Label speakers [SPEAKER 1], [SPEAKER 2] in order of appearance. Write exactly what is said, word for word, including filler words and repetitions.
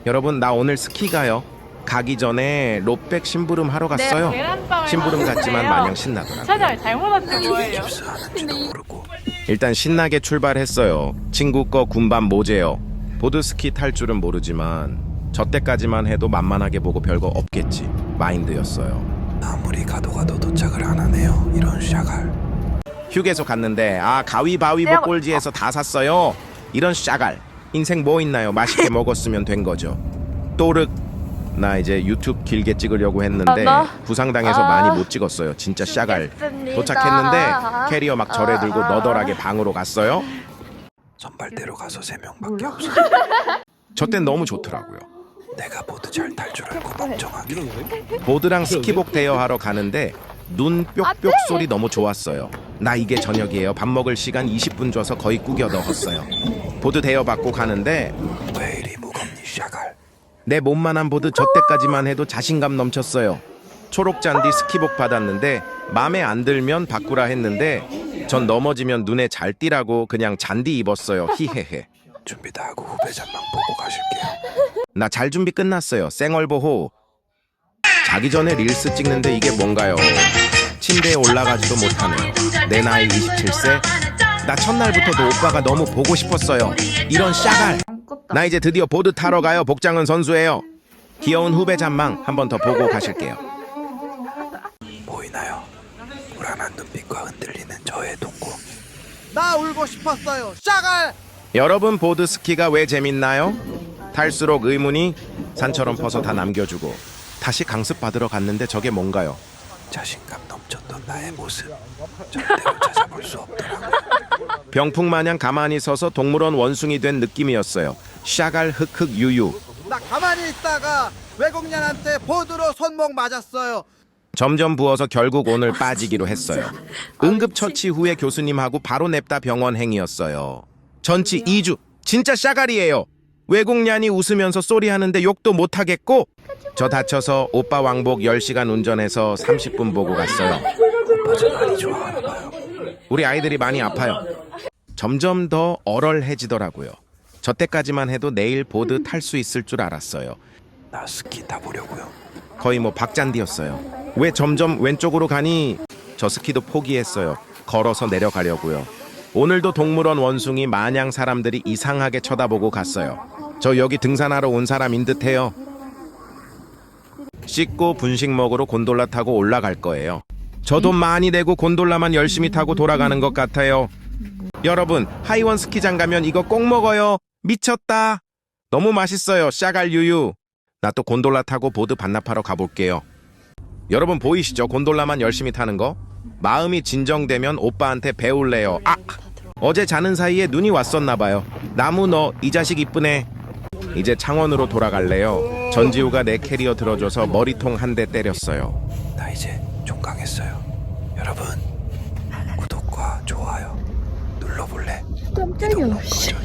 [SPEAKER 1] 여러분, 나 오늘 스키 가요. 가기 전에 롯백 심부름 하러 갔어요. 심부름 같지만 마냥 신나더라고요.
[SPEAKER 2] 찾아요. 잘못 왔지 뭐예요.
[SPEAKER 1] 일단 신나게 출발했어요. 친구 거 군밤 모제요. 보드스키 탈 줄은 모르지만 저 때까지만 해도 만만하게 보고 별거 없겠지 마인드였어요.
[SPEAKER 3] 아무리 가도 가도 도착을 안 하네요. 이런 샤갈.
[SPEAKER 1] 휴게소 갔는데 아 가위바위보 꼴지에서 다 샀어요. 이런 샤갈. 인생 뭐 있나요? 맛있게 먹었으면 된 거죠. 또르. 나 이제 유튜브 길게 찍으려고 했는데 부상당해서
[SPEAKER 2] 아,
[SPEAKER 1] 많이 못 찍었어요. 진짜 샤갈. 도착했는데 캐리어 막 절에 들고 너덜하게 방으로 갔어요.
[SPEAKER 3] 선발대로 가서 세 명밖에 없어.
[SPEAKER 1] 저 땐 너무 좋더라고요.
[SPEAKER 3] 내가 보드 잘 탈 줄 알고 멍청하게.
[SPEAKER 1] 보드랑 스키복 대여하러 가는데 눈 뾱뾱 소리 너무 좋았어요. 나 이게 저녁이에요. 밥 먹을 시간 이십 분 줘서 거의 꾸겨 넣었어요. 보드 대여 받고 가는데
[SPEAKER 3] 왜 이리 무겁니 샤갈.
[SPEAKER 1] 내 몸만한 보드 저 때까지만 해도 자신감 넘쳤어요. 초록잔디 스키복 받았는데 맘에 안 들면 바꾸라 했는데 전 넘어지면 눈에 잘 띄라고 그냥 잔디 입었어요. 히헤헤.
[SPEAKER 3] 준비 다 하고 후배 잠만 보고 가실게요.
[SPEAKER 1] 나 잘 준비 끝났어요. 쌩얼보호. 자기 전에 릴스 찍는데 이게 뭔가요? 침대에 올라가지도 못하네요. 내 나이 이십칠 세. 나 첫날부터도 오빠가 너무 보고 싶었어요. 이런 샤갈. 나 이제 드디어 보드 타러 가요. 복장은 선수예요. 귀여운 후배 잔망 한 번 더 보고 가실게요.
[SPEAKER 3] 보이나요? 불안한 눈빛과 흔들리는 저의 동공.
[SPEAKER 4] 나 울고 싶었어요. 샤갈.
[SPEAKER 1] 여러분, 보드 스키가 왜 재밌나요? 탈수록 의문이 산처럼 퍼서 다 남겨주고 다시 강습 받으러 갔는데 저게 뭔가요?
[SPEAKER 3] 자신감 넘쳤던 나의 모습 절대로 찾아볼 수 없더라고요.
[SPEAKER 1] 병풍마냥 가만히 서서 동물원 원숭이 된 느낌이었어요. 샤갈 흑흑 유유.
[SPEAKER 4] 나 가만히 있다가 외국년한테 보드로 손목 맞았어요.
[SPEAKER 1] 점점 부어서 결국 오늘 빠지기로 했어요. 응급처치 후에 교수님하고 바로 냅다 병원 행이었어요. 전치 이 주. 진짜 샤갈이에요. 외국년이 웃으면서 쏘리하는데 욕도 못하겠고 저 다쳐서 오빠 왕복 열 시간 운전해서 삼십 분 보고 갔어요.
[SPEAKER 3] 오빠 저 많이 좋아하나 봐요.
[SPEAKER 1] 우리 아이들이 많이 아파요. 점점 더 얼얼해지더라고요. 저 때까지만 해도 내일 보드 탈 수 있을 줄 알았어요.
[SPEAKER 3] 나 스키 타보려고요.
[SPEAKER 1] 거의 뭐 박잔디였어요. 왜 점점 왼쪽으로 가니? 저 스키도 포기했어요. 걸어서 내려가려고요. 오늘도 동물원 원숭이 마냥 사람들이 이상하게 쳐다보고 갔어요. 저 여기 등산하러 온 사람인 듯해요. 씻고 분식 먹으러 곤돌라 타고 올라갈 거예요. 저 돈 많이 내고 곤돌라만 열심히 타고 돌아가는 것 같아요. 여러분, 하이원 스키장 가면 이거 꼭 먹어요. 미쳤다. 너무 맛있어요. 샤갈 유유. 나 또 곤돌라 타고 보드 반납하러 가볼게요. 여러분 보이시죠? 곤돌라만 열심히 타는 거. 마음이 진정되면 오빠한테 배울래요. 아! 어제 자는 사이에 눈이 왔었나봐요. 나무 너 이 자식 이쁘네. 이제 창원으로 돌아갈래요. 전지우가 내 캐리어 들어줘서 머리통 한 대 때렸어요.
[SPEAKER 3] 나 이제 종강했어요. 여러분 구독과 좋아요 눌러볼래?
[SPEAKER 2] 깜짝이야.
[SPEAKER 3] 이동 꺼져.